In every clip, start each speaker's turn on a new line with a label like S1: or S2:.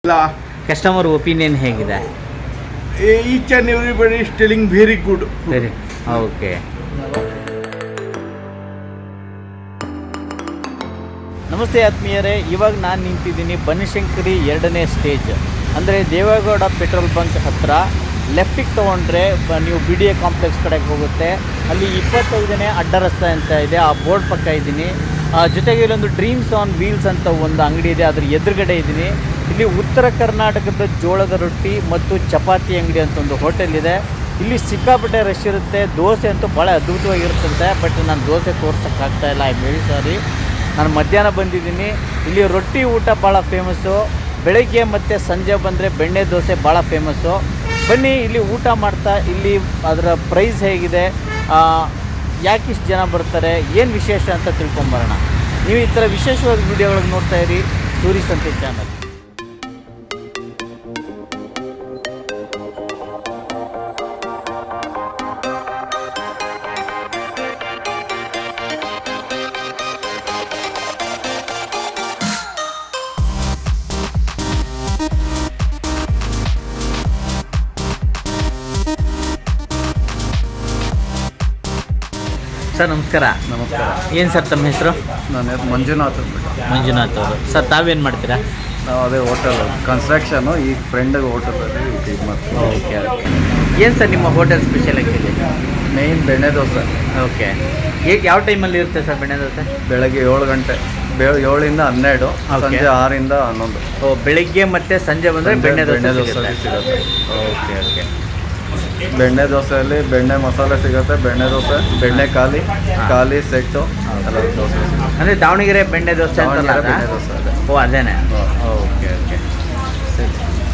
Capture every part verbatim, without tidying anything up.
S1: Customer opinion ಹೇಗಿದೆ?
S2: Each and everybody is telling very good.
S1: Very okay. ನಮಸ್ತೆ ಆತ್ಮೀಯರೇ, ಇವಾಗ ನಾನು ನಿಂತಿದ್ದೀನಿ ಬನಶಂಕರಿ ಎರಡನೇ ಸ್ಟೇಜ್ ಅಂದರೆ ದೇವೇಗೌಡ ಪೆಟ್ರೋಲ್ ಬಂಕ್ ಹತ್ತಿರ. ಲೆಫ್ಟಿಗೆ ತೊಗೊಂಡ್ರೆ ನೀವು ಬಿ ಡಿ ಎ ಕಾಂಪ್ಲೆಕ್ಸ್ ಕಡೆಗೆ ಹೋಗುತ್ತೆ. ಅಲ್ಲಿ ಇಪ್ಪತ್ತೈದನೇ ಅಡ್ಡ ರಸ್ತೆ ಅಂತ ಇದೆ, ಆ ಬೋರ್ಡ್ ಪಕ್ಕ ಇದ್ದೀನಿ. ಜೊತೆಗೆ ಇಲ್ಲೊಂದು ಡ್ರೀಮ್ಸ್ ಆನ್ ವೀಲ್ಸ್ ಅಂತ ಒಂದು ಅಂಗಡಿ ಇದೆ, ಅದ್ರ ಎದುರುಗಡೆ ಇದ್ದೀನಿ. ಇಲ್ಲಿ ಉತ್ತರ ಕರ್ನಾಟಕದ ಜೋಳದ ರೊಟ್ಟಿ ಮತ್ತು ಚಪಾತಿ ಅಂಗಡಿ ಅಂತ ಒಂದು ಹೋಟೆಲ್ ಇದೆ. ಇಲ್ಲಿ ಸಿಕ್ಕಾಪಟ್ಟೆ ರಶ್ ಇರುತ್ತೆ. ದೋಸೆ ಅಂತೂ ಭಾಳ ಅದ್ಭುತವಾಗಿರುತ್ತಂತೆ, ಬಟ್ ನಾನು ದೋಸೆ ತೋರ್ಸೋಕ್ಕಾಗ್ತಾಯಿಲ್ಲ, ಐ ವೆರಿ ಸಾರಿ. ನಾನು ಮಧ್ಯಾಹ್ನ ಬಂದಿದ್ದೀನಿ. ಇಲ್ಲಿ ರೊಟ್ಟಿ ಊಟ ಭಾಳ ಫೇಮಸ್ಸು. ಬೆಳಗ್ಗೆ ಮತ್ತು ಸಂಜೆ ಬಂದರೆ ಬೆಣ್ಣೆ ದೋಸೆ ಭಾಳ ಫೇಮಸ್ಸು. ಬನ್ನಿ ಇಲ್ಲಿ ಊಟ ಮಾಡ್ತಾ ಇಲ್ಲಿ ಅದರ ಪ್ರೈಸ್ ಹೇಗಿದೆ, ಯಾಕಿಷ್ಟು ಜನ ಬರ್ತಾರೆ, ಏನು ವಿಶೇಷ ಅಂತ ತಿಳ್ಕೊಂಬರೋಣ. ನೀವು ಈ ಥರ ವಿಶೇಷವಾದ ವೀಡಿಯೋಗಳಿಗೆ ನೋಡ್ತಾ ಇರಿ ಸೂರಿ ಸಂತೆ ಚಾನಲ್. ಸರ್ ನಮಸ್ಕಾರ.
S3: ನಮಸ್ಕಾರ.
S1: ಏನು ಸರ್ ತಮ್ಮ ಹೆಸರು?
S3: ನನ್ನ ಹೆಸರು ಮಂಜುನಾಥ್.
S1: ಮಂಜುನಾಥ್ ಅವರು. ಸರ್ ತಾವೇನು ಮಾಡ್ತೀರಾ?
S3: ನಾವು ಅದೇ ಹೋಟೆಲ್ ಕನ್ಸ್ಟ್ರಕ್ಷನು, ಈಗ ಫ್ರೆಂಡಿಗೆ ಹೋಟೆಲಲ್ಲಿ ಇದು ಮಾಡ್ತೀವಿ.
S1: Okay okay. ಏನು ಸರ್ ನಿಮ್ಮ ಹೋಟೆಲ್ ಸ್ಪೆಷಲ್ ಆಗಿದೆ?
S3: ಮೇಯ್ನ್ ಬೆಣ್ಣೆ ದೋಸೆ.
S1: ಓಕೆ. ಈಗ ಯಾವ ಟೈಮಲ್ಲಿ ಇರುತ್ತೆ ಸರ್ ಬೆಣ್ಣೆ ದೋಸೆ?
S3: ಬೆಳಗ್ಗೆ ಏಳು ಗಂಟೆ ಬೆ ಏಳಿಂದ ಹನ್ನೆರಡು, ಸಂಜೆ ಆರಿಂದ ಹನ್ನೊಂದು.
S1: ಓ, ಬೆಳಿಗ್ಗೆ ಮತ್ತು ಸಂಜೆ ಬಂದರೆ ಬೆಣ್ಣೆ
S3: ಬೆಣ್ಣೆ
S1: ದೋಸೆ
S3: ದೋಸೆ ಸಿಗುತ್ತೆ.
S1: Okay okay.
S3: ಬೆಣ್ಣೆ ದೋಸೆಯಲ್ಲಿ ಬೆಣ್ಣೆ ಮಸಾಲೆ ಸಿಗುತ್ತೆ, ಬೆಣ್ಣೆ ದೋಸೆ, ಬೆಣ್ಣೆ ಖಾಲಿ, ಖಾಲಿ ಸೆಟ್ಟು ಎಲ್ಲ ದೋಸೆ ಸಿಗುತ್ತೆ.
S1: ಅಂದರೆ ದಾವಣಗೆರೆ ಬೆಣ್ಣೆ ದೋಸೆ ಅಂತಲ್ಲ?
S3: ದಾವಣಗೆರೆ ಬೆಣ್ಣೆ ದೋಸೆ ಅದೇ.
S1: ಓ ಅದೇನೆ. ಓಕೆ ಓಕೆ ಸರಿ.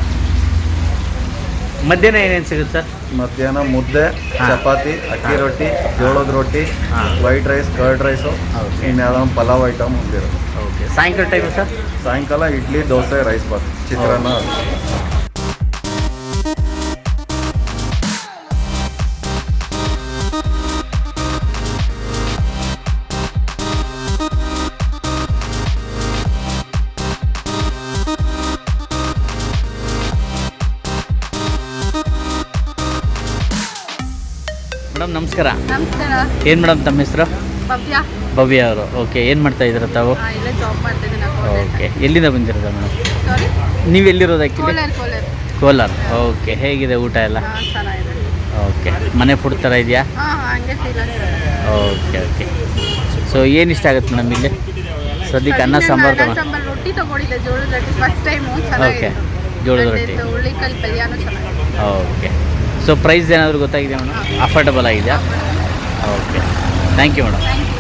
S1: ಮಧ್ಯಾಹ್ನ ಏನೇನು ಸಿಗುತ್ತೆ ಸರ್?
S3: ಮಧ್ಯಾಹ್ನ ಮುದ್ದೆ, ಚಪಾತಿ, ಅಕ್ಕಿ ರೊಟ್ಟಿ, ಜೋಳದ ರೊಟ್ಟಿ, ವೈಟ್ ರೈಸ್, ಕರ್ಡ್ ರೈಸು, ಇನ್ಯಾವುದೋ ಒಂದು ಪಲಾವ್ ಐಟಮ್ ಒಂದಿರುತ್ತೆ.
S1: ಓಕೆ. ಸಾಯಂಕಾಲ ಟೈಮು ಸರ್?
S3: ಸಾಯಂಕಾಲ ಇಡ್ಲಿ, ದೋಸೆ, ರೈಸ್ ಬಾತ್, ಚಿತ್ರಾನ್ನ.
S1: ಮೇಡಮ್ ನಮಸ್ಕಾರ.
S4: ನಮಸ್ಕಾರ.
S1: ಏನು ಮೇಡಮ್ ತಮ್ಮ ಹೆಸರು?
S4: ಭವ್ಯ.
S1: ಭವ್ಯ ಅವರು. ಓಕೆ. ಏನು ಮಾಡ್ತಾ ಇದ್ದೀರ ತಾವು?
S4: ಇಲ್ಲೇ ಜಾಬ್ ಮಾಡ್ತಾ ಇದ್ದೀನಿ.
S1: ಓಕೆ. ಎಲ್ಲಿಂದ ಬಂದಿರೋದ ಮೇಡಮ್?
S4: ಸಾರಿ,
S1: ನೀವು ಎಲ್ಲಿರೋದು ಆ್ಯಕ್ಚುಲಿ?
S4: ಕೋಲಾರ. ಕೋಲಾರ.
S1: ಕೋಲಾರ. ಓಕೆ. ಹೇಗಿದೆ ಊಟ ಎಲ್ಲ?
S4: ಹಾಂ, ಚೆನ್ನಾಗಿದೆ.
S1: ಓಕೆ. ಮನೆ ಫುಡ್ ಥರ ಇದೆಯಾ?
S4: ಹಾಂ ಹಾಂ, ಹಂಗೆ ಫೀಲ್ ಆಗ್ತದೆ.
S1: Okay okay. ಸೊ ಏನು ಇಷ್ಟ ಆಗುತ್ತೆ ಮೇಡಮ್ ಇಲ್ಲಿ ಸದ್ಯಕ್ಕೆ? ಅನ್ನ ಸಾಂಬಾರು ತಗೊಂಡು
S4: ಸಾಂಬಾರು ರೊಟ್ಟಿ ತೊಗೊಂಡಿದ್ದೆ, ಜೋಳದ ರೊಟ್ಟಿ ಫಸ್ಟ್ ಟೈಮು.
S1: ಓಕೆ.
S4: ಚೆನ್ನಾಗಿದೆ.
S1: ಜೋಳದ ರೊಟ್ಟಿ.
S4: ಹುಳ್ಳಿಕಾಳು ಪಲ್ಯನೂ ಚೆನ್ನಾಗಿದೆ.
S1: ಓಕೆ. ಸೊ ಪ್ರೈಸ್ ಏನಾದರೂ ಗೊತ್ತಾಗಿದೆ ಮೇಡಮ್? ಅಫೋರ್ಡಬಲ್ ಆಗಿದೆಯಾ? Okay. Thank you madam.
S4: Thank you.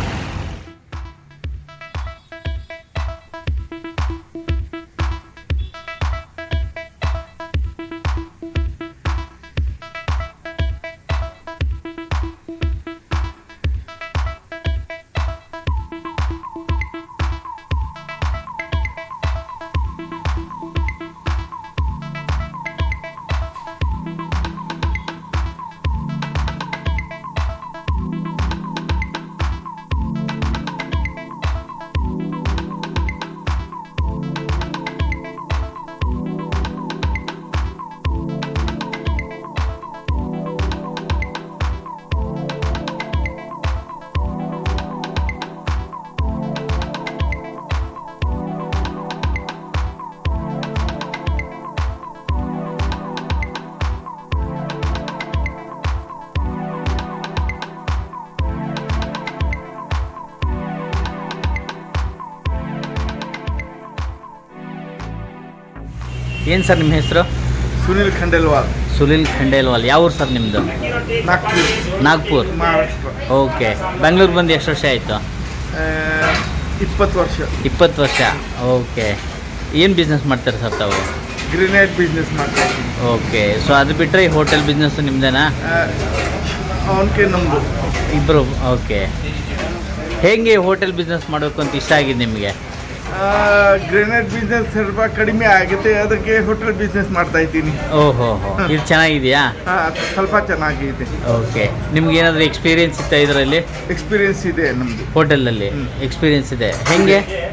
S1: ಏನು ಸರ್ ನಿಮ್ಮ ಹೆಸರು?
S2: ಸುನಿಲ್ ಖಂಡೇಲ್ವಾಲ್.
S1: ಸುನಿಲ್ ಖಂಡೇಲ್ವಾಲ್. ಯಾವ ಊರು ಸರ್ ನಿಮ್ಮದು?
S2: ನಾಗ್ಪುರ್,
S1: ನಾಗ್ಪುರ್,
S2: ಮಹಾರಾಷ್ಟ್ರ.
S1: ಓಕೆ. ಬೆಂಗಳೂರು ಬಂದು ಎಷ್ಟು ವರ್ಷ ಆಯಿತು?
S2: ಇಪ್ಪತ್ತು ವರ್ಷ.
S1: ಇಪ್ಪತ್ತು ವರ್ಷ. ಓಕೆ. ಏನು ಬಿಸ್ನೆಸ್ ಮಾಡ್ತಾರೆ ಸರ್ ತಾವು?
S2: ಗ್ರಿನೇಡ್ ಬಿಸ್ನೆಸ್ ಮಾಡ್ತಾ ಇದ್ದೀನಿ.
S1: ಓಕೆ. ಸೊ ಅದು ಬಿಟ್ಟರೆ ಈ ಹೋಟೆಲ್ ಬಿಸ್ನೆಸ್ಸು ನಿಮ್ಮದೇನಾ?
S2: ಅವನಿಗೆ ನಮ್ಮದು
S1: ಇಬ್ಬರು. ಓಕೆ. ಹೇಗೆ ಹೋಟೆಲ್ ಬಿಸ್ನೆಸ್ ಮಾಡಬೇಕು ಅಂತ ಇಷ್ಟ ಆಗಿದೆ ನಿಮಗೆ?
S2: ಗ್ರೆನೇಡ್ ಬಿಸ್ನೆಸ್ ಸ್ವಲ್ಪ ಕಡಿಮೆ ಆಗುತ್ತೆ, ಅದಕ್ಕೆ ಹೋಟೆಲ್ ಬಿಸ್ನೆಸ್ ಮಾಡ್ತಾ ಇದ್ದೀನಿ.
S1: ಓಹೋ ಹೋ. ಇದು ಚೆನ್ನಾಗಿದೆಯಾ?
S2: ಸ್ವಲ್ಪ ಚೆನ್ನಾಗಿದೆ.
S1: ಓಕೆ. ನಿಮ್ಗೆ ಏನಾದರೂ ಎಕ್ಸ್ಪೀರಿಯನ್ಸ್ ಇತ್ತಾ ಇದರಲ್ಲಿ?
S2: ಎಕ್ಸ್ಪೀರಿಯನ್ಸ್ ಇದೆ ನಮ್ಮದು.
S1: ಹೋಟೆಲಲ್ಲಿ ಎಕ್ಸ್ಪೀರಿಯನ್ಸ್ ಇದೆ. ಹೇಗೆ?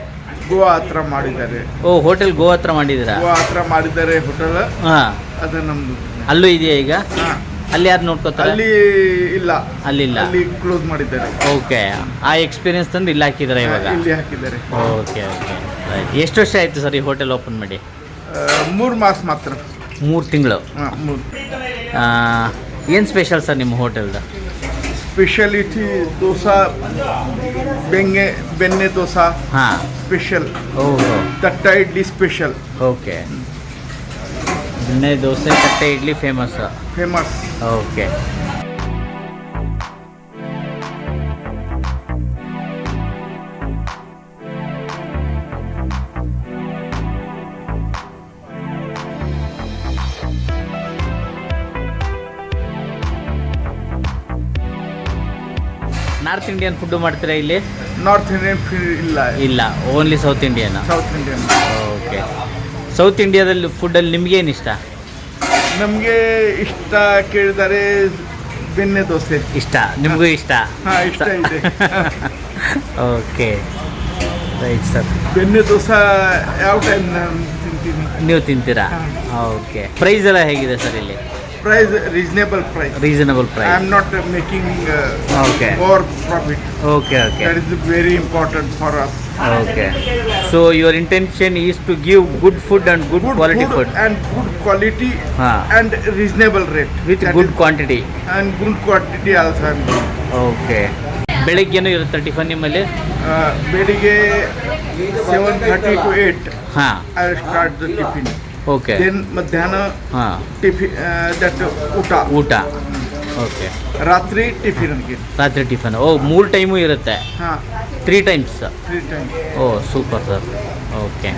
S2: ಗೋವಾ ಹತ್ರ ಮಾಡಿದ್ದಾರೆ.
S1: ಓ ಹೋಟೆಲ್ ಗೋವಾ ಹತ್ರ ಮಾಡಿದ್ದೀರಾ?
S2: ಗೋವಾ ಹತ್ರ ಮಾಡಿದ್ದಾರೆ ಹೋಟೆಲ್.
S1: ಹಾಂ,
S2: ಅದು ನಮ್ದು.
S1: ಅಲ್ಲೂ ಇದೆಯಾ ಈಗ?
S2: ಹಾ.
S1: ಅಲ್ಲಿ ಯಾರು ನೋಡ್ಕೋತಾರೆ?
S2: ಅಲ್ಲಿ ಇಲ್ಲ,
S1: ಅಲ್ಲಿಲ್ಲ,
S2: ಅಲ್ಲಿ ಕ್ಲೋಸ್ ಮಾಡಿದ್ದಾರೆ.
S1: ಓಕೆ. ಆ ಎಕ್ಸ್ಪೀರಿಯನ್ಸ್ ತಂದು ಇಲ್ಲಿ ಹಾಕಿದ್ದಾರೆ ಇವಾಗ?
S2: ಇಲ್ಲಿ ಹಾಕಿದ್ದಾರೆ.
S1: Okay okay right. ಎಷ್ಟು ವರ್ಷ ಆಯಿತು ಸರ್ ಈ ಹೋಟೆಲ್ ಓಪನ್ ಮಾಡಿ?
S2: ಮೂರು ಮಾಸ ಮಾತ್ರ.
S1: ಮೂರು ತಿಂಗಳು.
S2: ಹಾಂ, ಮೂರು.
S1: ಏನು ಸ್ಪೆಷಲ್ ಸರ್ ನಿಮ್ಮ ಹೋಟೆಲ್ದು?
S2: ಸ್ಪೆಷಾಲಿಟಿ ದೋಸೆ, ಬೆಂಗೆ ಬೆಣ್ಣೆ ದೋಸೆ
S1: ಹಾಂ,
S2: ಸ್ಪೆಷಲ್.
S1: ಓಹೋ,
S2: ತಟ್ಟ ಇಡ್ಲಿ ಸ್ಪೆಷಲ್.
S1: ಓಕೆ. ಬೆಣ್ಣೆ ದೋಸೆ, ತಟ್ಟೆ idli famous.
S2: Famous.
S1: Okay. North Indian food ಮಾಡ್ತೀರಾ ಇಲ್ಲಿ?
S2: ನಾರ್ತ್ ಇಂಡಿಯನ್ ಇಲ್ಲ,
S1: ಇಲ್ಲ, only south Indian.
S2: South Indian.
S1: Okay. South ಇಂಡಿಯಾದಲ್ಲಿ ಫುಡ್ಡಲ್ಲಿ ನಿಮಗೇನು ಇಷ್ಟ?
S2: ನಮಗೆ ಇಷ್ಟ ಕೇಳಿದರೆ ಬೆಣ್ಣೆ ದೋಸೆ
S1: ಇಷ್ಟ. ನಿಮಗೂ ಇಷ್ಟ?
S2: ಹಾಂ, ಇಷ್ಟ ಇದೆ.
S1: Okay right sir.
S2: ಬೆಣ್ಣೆ ದೋಸೆ ಯಾವ ಟೈಮ್ ನಾನು ತಿಂತೀನಿ.
S1: ನೀವು ತಿಂತೀರಾ?
S2: ಹಾಂ.
S1: ಓಕೆ. ಪ್ರೈಸ್ ಎಲ್ಲ ಹೇಗಿದೆ ಸರ್ ಇಲ್ಲಿ?
S2: Price reasonable price.
S1: Reasonable
S2: I
S1: price.
S2: Am not making
S1: Okay.
S2: More profit.
S1: Okay okay
S2: that is very important for us.
S1: Okay. So your intention is to give good food and good quality food
S2: and good quality
S1: ಹಾಂ,
S2: and reasonable rate
S1: with
S2: That
S1: good
S2: is-
S1: quantity.
S2: and good quantity also I'm doing.
S1: Okay. ಬೆಳಗ್ಗೆನೂ ಇರುತ್ತೆ tiffin ನಿಮ್ಮಲ್ಲಿ?
S2: Uh, ಬೆಳಿಗ್ಗೆ seven thirty to eight
S1: ಹಾಂ,
S2: I start the tiffin.
S1: Okay.
S2: Then ಮಧ್ಯಾಹ್ನ
S1: ಹಾಂ,
S2: tiffin that ಊಟ.
S1: ಊಟ. ಓಕೆ.
S2: ರಾತ್ರಿ ಟಿಫಿನ್ ಅನ್ಗೆ.
S1: ರಾತ್ರಿ ಟಿಫನ್. ಓ, ಮೂರು ಟೈಮು ಇರುತ್ತೆ?
S2: ಹಾಂ,
S1: three times?
S2: Three time.
S1: Oh super sir. Okay.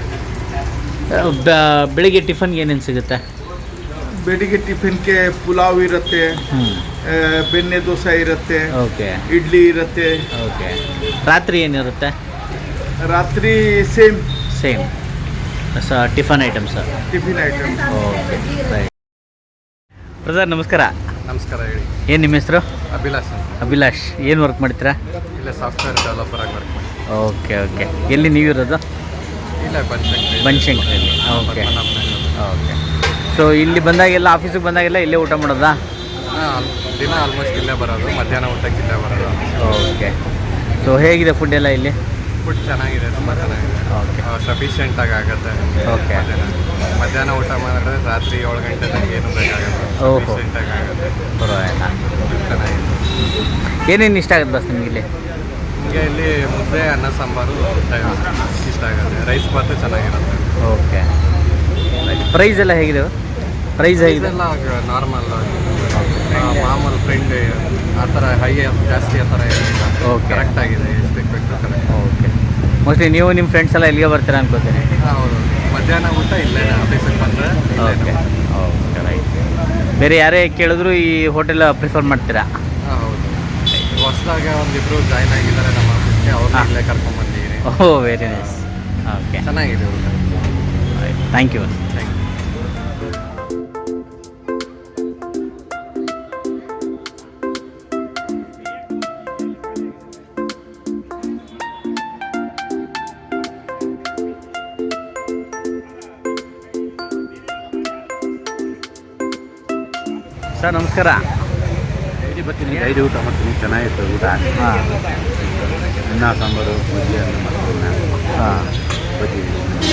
S1: ಬೆಳಿಗ್ಗೆ ಟಿಫನ್ಗೆ ಏನೇನು ಸಿಗುತ್ತೆ?
S2: ಬೆಳಿಗ್ಗೆ ಟಿಫಿನ್ಗೆ ಪುಲಾವ್ ಇರುತ್ತೆ,
S1: ಹ್ಞೂ,
S2: ಆ, ಬೆಣ್ಣೆ ದೋಸೆ ಇರುತ್ತೆ,
S1: ಓಕೆ
S2: ಇಡ್ಲಿ ಇರುತ್ತೆ.
S1: ಓಕೆ. ರಾತ್ರಿ ಏನಿರುತ್ತೆ?
S2: ರಾತ್ರಿ ಸೇಮ್
S1: ಸೇಮ್ ಸ tiffin items.
S2: Tiffin item.
S1: Okay right. Brother ನಮಸ್ಕಾರ.
S3: ನಮಸ್ಕಾರ, ಹೇಳಿ.
S1: ಏನು ನಿಮ್ಮ ಹೆಸರು?
S3: ಅಭಿಲಾಷ್ ಅಂತ.
S1: ಅಭಿಲಾಷ್. ಏನು ವರ್ಕ್ ಮಾಡ್ತೀರಾ?
S3: ಇಲ್ಲ, ಸಾಫ್ಟ್ವೇರ್ ಡೆವಲಪರ್ ಆಗಿ ವರ್ಕ್ ಮಾಡಿ.
S1: Okay okay. ಎಲ್ಲಿ ನೀವಿರೋದು?
S3: ಇಲ್ಲ, ಬನಶಂಕರಿ.
S1: ಬನಶಂಕರಿಯಲ್ಲಿ. Okay okay. ಸೊ ಇಲ್ಲಿ ಬಂದಾಗೆಲ್ಲ, ಆಫೀಸಿಗೆ ಬಂದಾಗೆಲ್ಲ ಇಲ್ಲೇ ಊಟ ಮಾಡೋದಾ?
S3: ಹಾಂ, ದಿನ ಆಲ್ಮೋಸ್ಟ್ ಇಲ್ಲೇ ಬರೋದು. ಮಧ್ಯಾಹ್ನ ಊಟಕ್ಕೆ ಇಲ್ಲೇ ಬರೋದು.
S1: ಓಕೆ. ಸೊ ಹೇಗಿದೆ ಫುಡ್ ಎಲ್ಲ ಇಲ್ಲಿ?
S3: ಫುಡ್ ಚೆನ್ನಾಗಿದೆ, ತುಂಬ ಚೆನ್ನಾಗಿದೆ.
S1: ಓಕೆ
S3: ಸಫಿಷಿಯೆಂಟಾಗಿ ಆಗುತ್ತೆ.
S1: Okay.
S3: ಮಧ್ಯಾಹ್ನ ಮಧ್ಯಾಹ್ನ ಊಟ ಮಾಡಿದ್ರೆ ರಾತ್ರಿ ಏಳು ಗಂಟೆ ತನಕ ಏನು ಬೇಕಾಗುತ್ತೆ.
S1: ಓಹೋ.
S3: ಸಫಿಷಿಯೆಂಟಾಗಿ ಆಗುತ್ತೆ.
S1: ಪರವಾಗಿಲ್ಲ.
S3: ಚೆನ್ನಾಗಿದೆ.
S1: ಏನೇನು ಇಷ್ಟ ಆಗುತ್ತೆ ಬಸ್ ನಿಮಗೆ ಇಲ್ಲಿ?
S3: ನಿಮಗೆ ಇಲ್ಲಿ ಮುದ್ದೆ, ಅನ್ನ, ಸಾಂಬಾರು ಇಷ್ಟ ಆಗುತ್ತೆ. ರೈಸ್ ಬಾತು ಚೆನ್ನಾಗಿರುತ್ತೆ.
S1: ಓಕೆ. ಪ್ರೈಸ್ ಎಲ್ಲ ಹೇಗಿದೆ? ಪ್ರೈಸ್ ಹೇಗಿದೆ?
S3: ಇದೆಲ್ಲ ನಾರ್ಮಲ್ ಮಾಮೂಲು ಫ್ರೆಂಡ್ ಆ ಥರ ಹೈ ಜಾಸ್ತಿ ಆ ಥರ ಏನಿಲ್ಲ.
S1: Okay.
S3: ಕರೆಕ್ಟ್ ಆಗಿದೆ, ಎಷ್ಟು ಬೇಕು ಬೇಕು ಕರೆಕ್ಟ್.
S1: ಓಕೆ. ಮೋಸ್ಟ್ಲಿ ನೀವು ನಿಮ್ಮ ಫ್ರೆಂಡ್ಸ್ ಎಲ್ಲ ಇಲ್ಲಿಗೆ ಬರ್ತೀರಾ ಅನ್ಕೋತೀನಿ.
S3: ಹೌದು, ಮಧ್ಯಾಹ್ನ ಊಟ ಇಲ್ಲೇ ಆಫೀಸಿಗೆ ಬಂದರೆ.
S1: Okay okay right. ಬೇರೆ ಯಾರೇ ಕೇಳಿದ್ರು ಈ ಹೋಟೆಲ್ ಪ್ರಿಫರ್ ಮಾಡ್ತೀರಾ?
S3: ಹಾಂ, ಹೌದು. ಹೊಸದಾಗಿ ಒಂದಿಬ್ರು ಜಾಯ್ನ್ ಆಗಿದ್ದಾರೆ ನಮ್ಮ ಆಫೀಸ್ಗೆ, ಅವ್ರನ್ನ ಇಲ್ಲೇ ಕರ್ಕೊಂಡ್ಬಂದಿದ್ದೀನಿ.
S1: Oh very nice. ಓಕೆ
S3: ಚೆನ್ನಾಗಿದೆ ಊಟ.
S1: Thank you.
S3: Thank you.
S1: Sir ನಮಸ್ಕಾರ.
S5: ಡೈಲಿ ಊಟ ಮಾಡ್ತೀನಿ, ಚೆನ್ನಾಗಿತ್ತು ಊಟ.
S1: ಹಾಂ
S5: ಅನ್ನ ಸಾಂಬಾರು, ಮಜ್ಜಿಗೆ, ಅನ್ನ ಮಾಡ್ತೀನಿ.
S1: ಹಾಂ.
S5: ಬಜ್ಜಿ,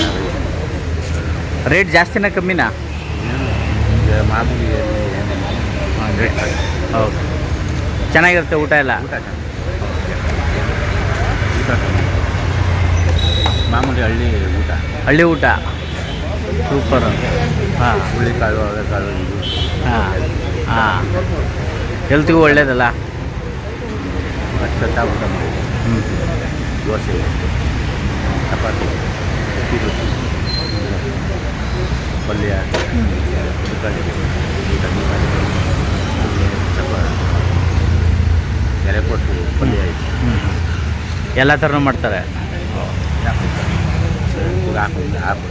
S1: ರೇಟ್ ಜಾಸ್ತಿನಾ ಕಮ್ಮಿನಾ?
S5: ಈಗ ಮಾಮೂಲಿ ಏನೇನು
S1: ಹಾಗೆ. ಓಕೆ. ಚೆನ್ನಾಗಿರುತ್ತೆ ಊಟ ಎಲ್ಲ?
S5: ಊಟ ಚೆನ್ನಾಗಿ ಊಟ ಚೆನ್ನಾಗಿ. ಮಾಮೂಲಿ ಹಳ್ಳಿ ಊಟ.
S1: ಹಳ್ಳಿ ಊಟ ಸೂಪರ್. ಹಾಂ
S5: ಹುಳ್ಳಿಕಾಳು, ಅವರೆಕಾಳು, ಇದು
S1: ಹಾಂ ಹಾಂ. ಹೆಲ್ತ್ಗೂ ಒಳ್ಳೇದಲ್ಲ?
S5: ಅಚ್ಚತ್ತ ಊಟ ಮಾಡಿ.
S1: ಹ್ಞೂ.
S5: ದೋಸೆ, ಚಪಾತಿ, ಅಕ್ಕಿ ರೊಟ್ಟಿ, ಪಲ್ಯ, ತರಕಾರಿ, ಚಪಾತಿ, ಎಲೆಕೋಸು ಪಲ್ಯ ಐತೆ.
S1: ಹ್ಞೂ. ಎಲ್ಲ ಥರನೂ ಮಾಡ್ತಾರೆ?
S5: ಹಾಕೊಂಡು ಹಾಕ್ಬಿಡ್ತಾರೆ.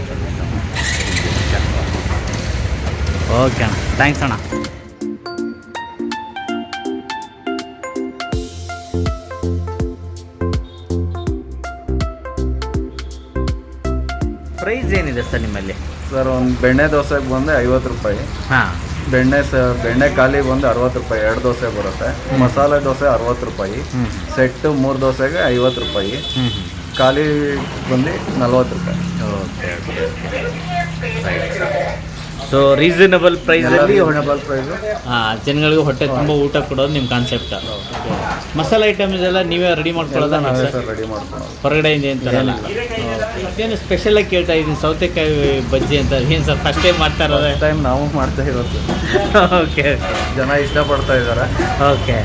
S1: ಓಕೆ ಅಣ್ಣ, ಥ್ಯಾಂಕ್ಸ್ ಅಣ್ಣ. ಏನಿದೆ ಸರ್ ನಿಮ್ಮಲ್ಲಿ?
S3: ಸರ್ ಒಂದು ಬೆಣ್ಣೆ ದೋಸೆಗೆ ಬಂದು ಐವತ್ತು ರೂಪಾಯಿ,
S1: ಹಾಂ
S3: ಬೆಣ್ಣೆ ಸ ಬೆಣ್ಣೆ ಖಾಲಿ ಬಂದು ಅರವತ್ತು ರೂಪಾಯಿ ಎರಡು ದೋಸೆ ಬರುತ್ತೆ. ಮಸಾಲೆ ದೋಸೆ ಅರವತ್ತು ರೂಪಾಯಿ,
S1: ಹ್ಞೂ
S3: ಸೆಟ್ಟು ಮೂರು ದೋಸೆಗೆ ಐವತ್ತು ರೂಪಾಯಿ,
S1: ಹ್ಞೂ
S3: ಖಾಲಿ ಬಂದು ನಲ್ವತ್ತು ರೂಪಾಯಿ.
S1: Okay okay right. So reasonable ಪ್ರೈಸಲ್ಲಿ
S3: ರೀಸನಬಲ್ ಪ್ರೈಸು.
S1: ಹಾಂ, ಜನಗಳಿಗೆ ಹೊಟ್ಟೆ ತುಂಬ ಊಟ ಕೊಡೋದು ನಿಮ್ಮ ಕಾನ್ಸೆಪ್ಟ್. ಮಸಾಲೆ ಐಟಮ್ಸ್ ಎಲ್ಲ ನೀವೇ ರೆಡಿ ಮಾಡ್ಕೊಳ್ಳೋದಾ?
S3: ನಾವೇ ಸರ್ ರೆಡಿ ಮಾಡ್ಕೊಳ್ಳೋದು,
S1: ಹೊರಗಡೆಯಿಂದ ಏನು ತರಲ್ಲ. ಏನು ಸ್ಪೆಷಲಾಗಿ ಕೇಳ್ತಾ ಇದ್ದೀನಿ, ಸೌತೆಕಾಯಿ ಬಜ್ಜಿ ಅಂತ ಏನು ಸರ್ ಫಸ್ಟ್ ಟೈಮ್ ಮಾಡ್ತಾ ಇರೋದು?
S3: ಟೈಮ್ ನಾವು ಮಾಡ್ತಾ ಇರೋದು.
S1: ಓಕೆ
S3: ಜನ ಇಷ್ಟಪಡ್ತಾ ಇದ್ದಾರೆ.
S1: ಓಕೆ.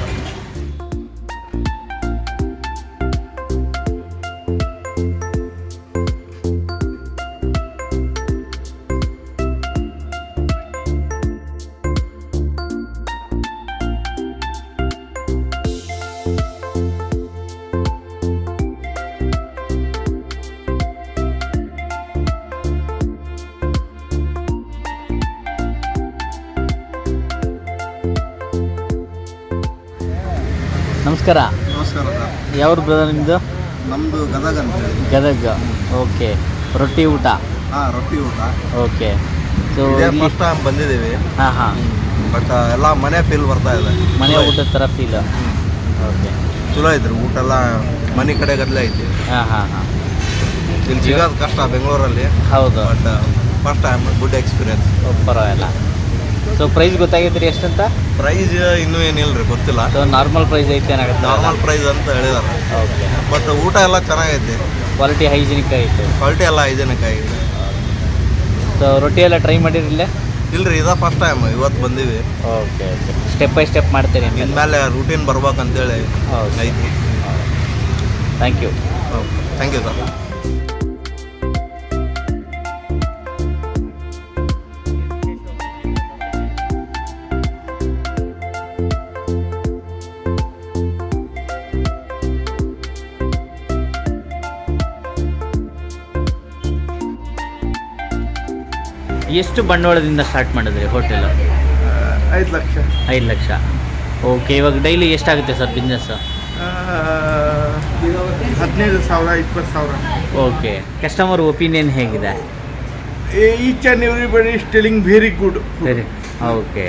S1: ನಮಸ್ಕಾರ.
S3: ನಮಸ್ಕಾರ ಸರ್.
S1: ಯಾವ ಬ್ರದರ್ ನಿಮ್ಮದು?
S3: ನಮ್ಮದು ಗದಗ ಅಂತ ಹೇಳಿ.
S1: ಗದಗ. ಓಕೆ. ರೊಟ್ಟಿ ಊಟ.
S3: ಹಾಂ, ರೊಟ್ಟಿ ಊಟ.
S1: ಓಕೆ. ಸೊ
S3: ಫಸ್ಟ್ ಟೈಮ್ ಬಂದಿದ್ದೀವಿ,
S1: ಹಾಂ ಹಾಂ
S3: ಬಟ್ ಎಲ್ಲ ಮನೆ ಫೀಲ್ ಬರ್ತಾ ಇದೆ.
S1: ಮನೆ ಊಟದ ಥರ ಫೀಲ್. ಓಕೆ.
S3: ಚಲೋ ಐತ್ರಿ ಊಟ ಎಲ್ಲ, ಮನೆ ಕಡೆ ಗದಲೇ ಐತಿ.
S1: ಹಾಂ ಹಾಂ ಹಾಂ
S3: ಇಲ್ಲಿ ಸಿಗೋದು ಕಷ್ಟ ಬೆಂಗಳೂರಲ್ಲಿ,
S1: ಹೌದು.
S3: But first time good experience.
S1: ಪರವಾಗಿಲ್ಲ. ಸೊ ಪ್ರೈಸ್ ಗೊತ್ತಾಗೈತೆ ರೀ ಎಷ್ಟಂತ?
S3: ಪ್ರೈಸ್ ಇನ್ನೂ ಏನಿಲ್ಲ ರೀ, ಗೊತ್ತಿಲ್ಲ.
S1: ಸೊ ನಾರ್ಮಲ್ ಪ್ರೈಸ್ ಐತೆ ಏನಾಗುತ್ತೆ?
S3: ನಾರ್ಮಲ್ ಪ್ರೈಸ್ ಅಂತ ಹೇಳಿದಾರೆ.
S1: ಓಕೆ.
S3: ಬಟ್ ಊಟ ಎಲ್ಲ ಚೆನ್ನಾಗೈತಿ,
S1: ಕ್ವಾಲಿಟಿ ಹೈಜಿನಿಕ್ ಐತೆ.
S3: ಕ್ವಾಲಿಟಿ ಎಲ್ಲ ಹೈಜೆನಿಕ್ ಆಗಿದೆ.
S1: ಸೊ ರೊಟ್ಟಿ ಎಲ್ಲ ಟ್ರೈ ಮಾಡಿರಿಲ್ಲ?
S3: ಇಲ್ರಿ, ಇದ ಫಸ್ಟ್ ಟೈಮ್ ಇವತ್ತು ಬಂದೀವಿ.
S1: Okay okay. Step by step ಮಾಡ್ತೀರಿ
S3: ಇನ್ಮೇಲೆ ರೂಟೀನ್ ಬರ್ಬೇಕಂತೇಳಿ
S1: ಓಕೆ.
S3: ಐತಿ.
S1: Thank you.
S3: Thank you sir.
S1: ಎಷ್ಟು ಬಂಡವಾಳದಿಂದ ಸ್ಟಾರ್ಟ್ ಮಾಡಿದ್ರಿ ಹೋಟೆಲ್?
S2: ಐದು ಲಕ್ಷ.
S1: ಐದು ಲಕ್ಷ. ಓಕೆ. ಇವಾಗ ಡೈಲಿ ಎಷ್ಟಾಗುತ್ತೆ ಸರ್ ಬಿಸ್ನೆಸ್?
S2: ಹದಿನೈದು ಸಾವಿರ ಇಪ್ಪತ್ತು ಸಾವಿರ.
S1: ಓಕೆ. ಕಸ್ಟಮರ್ ಒಪಿನಿಯನ್ ಹೇಗಿದೆ?
S2: Each and everybody is telling very good.
S1: ಸರಿ. ಓಕೆ.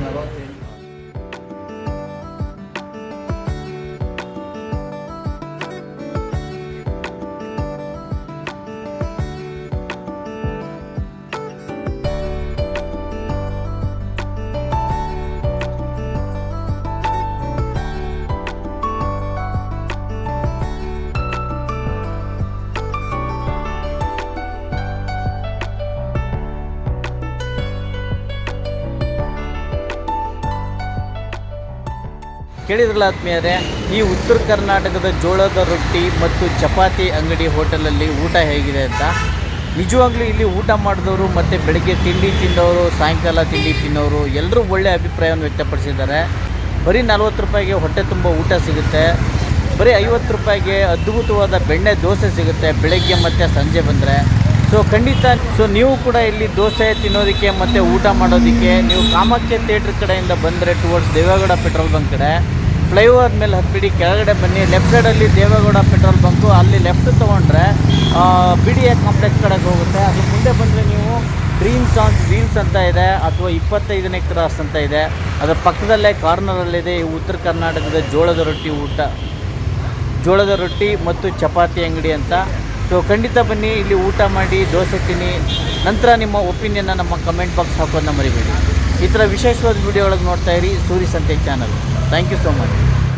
S1: ಕೇಳಿದ್ರಲ್ಲ ಆತ್ಮೀಯರೇ, ಈ ಉತ್ತರ ಕರ್ನಾಟಕದ ಜೋಳದ ರೊಟ್ಟಿ ಮತ್ತು ಚಪಾತಿ ಅಂಗಡಿ ಹೋಟೆಲಲ್ಲಿ ಊಟ ಹೇಗಿದೆ ಅಂತ. ನಿಜವಾಗ್ಲೂ ಇಲ್ಲಿ ಊಟ ಮಾಡಿದವರು ಮತ್ತು ಬೆಳಗ್ಗೆ ತಿಂಡಿ ತಿಂದವರು, ಸಾಯಂಕಾಲ ತಿಂಡಿ ತಿನ್ನೋರು ಎಲ್ಲರೂ ಒಳ್ಳೆಯ ಅಭಿಪ್ರಾಯವನ್ನು ವ್ಯಕ್ತಪಡಿಸಿದ್ದಾರೆ. ಬರೀ ನಲ್ವತ್ತು ರೂಪಾಯಿಗೆ ಹೊಟ್ಟೆ ತುಂಬ ಊಟ ಸಿಗುತ್ತೆ. ಬರೀ ಐವತ್ತು ರೂಪಾಯಿಗೆ ಅದ್ಭುತವಾದ ಬೆಣ್ಣೆ ದೋಸೆ ಸಿಗುತ್ತೆ ಬೆಳಗ್ಗೆ ಮತ್ತು ಸಂಜೆ ಬಂದರೆ. ಸೊ ಖಂಡಿತ ಸೊ ನೀವು ಕೂಡ ಇಲ್ಲಿ ದೋಸೆ ತಿನ್ನೋದಕ್ಕೆ ಮತ್ತು ಊಟ ಮಾಡೋದಕ್ಕೆ ನೀವು ಕಾಮಾಖ್ಯ ಥಿಯೇಟ್ರ್ ಕಡೆಯಿಂದ ಬಂದರೆ ಟುವರ್ಡ್ಸ್ ದೇವೇಗೌಡ ಪೆಟ್ರೋಲ್ ಬಂಕ್ ಕಡೆ ಫ್ಲೈಓವರ್ ಮೇಲೆ ಹತ್ಬಿಡಿ, ಕೆಳಗಡೆ ಬನ್ನಿ. ಲೆಫ್ಟ್ ಸೈಡಲ್ಲಿ ದೇವೇಗೌಡ ಪೆಟ್ರೋಲ್ ಬಂಕು, ಅಲ್ಲಿ ಲೆಫ್ಟ್ ತೊಗೊಂಡ್ರೆ ಬಿ ಡಿ ಎ ಕಾಂಪ್ಲೆಕ್ಸ್ ಕಡೆಗೆ ಹೋಗುತ್ತೆ. ಅದು ಮುಂದೆ ಬಂದರೆ ನೀವು ಡ್ರೀಮ್ಸ್ ಆನ್ ವೀಲ್ಸ್ ಅಂತ ಇದೆ, ಅಥವಾ ಇಪ್ಪತ್ತೈದನೇ ಕ್ರಾಸ್ ಅಂತ ಇದೆ. ಅದರ ಪಕ್ಕದಲ್ಲೇ ಕಾರ್ನರಲ್ಲಿದೆ ಈ ಉತ್ತರ ಕರ್ನಾಟಕದ ಜೋಳದ ರೊಟ್ಟಿ ಊಟ ಜೋಳದ ರೊಟ್ಟಿ ಮತ್ತು ಚಪಾತಿ ಅಂಗಡಿ ಅಂತ. ಸೊ ಖಂಡಿತ ಬನ್ನಿ, ಇಲ್ಲಿ ಊಟ ಮಾಡಿ, ದೋಸೆ ತಿನ್ನಿ. ನಂತರ ನಿಮ್ಮ ಒಪಿನಿಯನ್ನ ನಮ್ಮ ಕಮೆಂಟ್ ಬಾಕ್ಸ್ ಹಾಕೋದನ್ನ ಮರಿಬೇಡಿ. ಈ ಥರ ವಿಶೇಷವಾದ ವಿಡಿಯೋ ಒಳಗೆ ನೋಡ್ತಾ ಇರಿ Suri Santhe channel. Thank you so much.